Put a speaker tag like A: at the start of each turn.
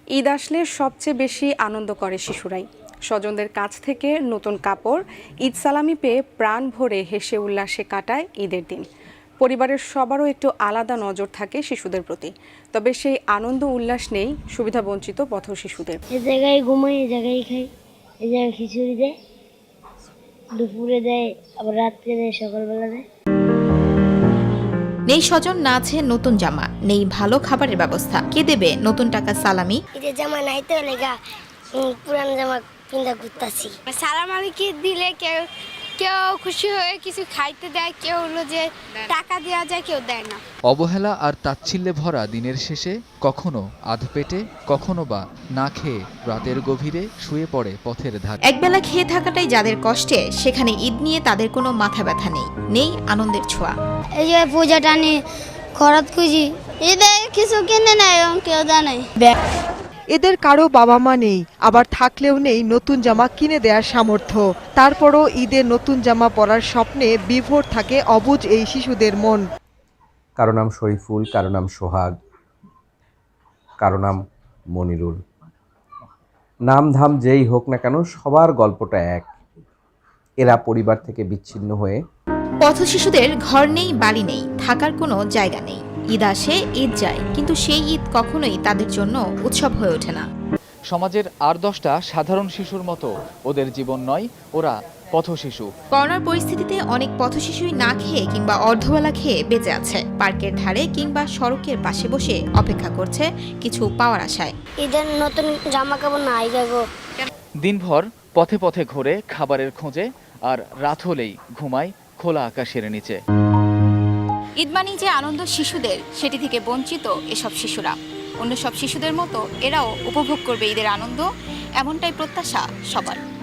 A: ঈদ আসলে সবচেয়ে বেশি আনন্দ করে শিশুরাই। স্বজনদের কাছ থেকে নতুন কাপড়, ঈদ সালামি পেয়ে প্রাণ ভরে হেসে উল্লাসে কাটায় ঈদের দিন। পরিবারের সবারও একটু আলাদা নজর থাকে শিশুদের প্রতি, তবে সেই আনন্দ উল্লাস নেই সুবিধাবঞ্চিত পথ শিশুদের।
B: এ জায়গায় ঘুমাই, এ জায়গায় খাই, এ জায়গায় খিচুড়ি দেয়, দুপুরে দেয়, আবার রাত্রে দেয়, সকালবেলা দেয়।
C: নেই স্বজন, না আছে নতুন জামা, নেই ভালো খাবারের ব্যবস্থা। কে দেবে নতুন টাকা সালামি?
B: ঈদের জামা নাই তো লেগা পুরান জামা কিনতে ঘুরতাছি।
D: সালামি কি দিলে কেউ কেউ খুশি হয়ে কিছু খাইতে দেয়, কেউ হলো যে টাকা দেওয়া যায়, কেউ দেয় না।
E: অবহেলা আর তাচ্ছিল্যে ভরা দিনের শেষে কখনো আধপেটে, কখনো বা না খেয়ে রাতের গভীরে শুয়ে পড়ে পথের ধারে।
C: একবেলা খেয়ে থাকাটাই যাদের কষ্টে, সেখানে ঈদ নিয়ে তাদের কোনো মাথা ব্যথা নেই, নেই আনন্দের ছোঁয়া।
B: এই যে পূজা টানি খরচ খুঁজি, ঈদে কিছু কিনে নেয় এবং কেউ দেয় নাই।
F: এদের কারো বাবা মা নেই, আবার থাকলেও নেই নতুন জামা কিনে দেওয়ার সামর্থ্য। তারপরও ঈদের নতুন জামা পরার স্বপ্নে বিভোর থাকে অবুঝ এই শিশুদের মন।
G: কারো নাম শরীফুল, কারো নাম সোহাগ, কারো নাম মনিরুল। নাম ধাম যেই হোক না কেন, সবার গল্পটা এক। এরা পরিবার থেকে বিচ্ছিন্ন হয়ে
C: পথ শিশুদের ঘর নেই, বাড়ি নেই, থাকার কোনো জায়গা নেই। ঈদ আসে, ঈদ যায়, কিন্তু সেই ঈদ কখনোই তাদের জন্য উৎসব হয়ে ওঠে না।
E: সমাজের আর 10টা সাধারণ শিশুর মতো ওদের জীবন নয়, ওরা পথশিশু।
C: করোনার পরিস্থিতিতে অনেক পথশিশুই না খেয়ে কিংবা অর্ধবেলা খেয়ে বেঁচে আছে। পার্কের ধারে কিংবা সড়কের পাশে বসে অপেক্ষা করছে কিছু পাওয়ার আশায়।
B: ঈদের নতুন জামা কাপড় নাই গো।
E: দিনভর পথে পথে ঘুরে খাবারের খোঁজে, আর রাত হলেই ঘুমায় খোলা আকাশের নিচে।
H: ঈদ মানেই যে আনন্দ শিশুদের, সেটি থেকে বঞ্চিত এসব শিশুরা। অন্য সব শিশুদের মতো এরাও উপভোগ করবে ঈদের আনন্দ, এমনটাই প্রত্যাশা সবার।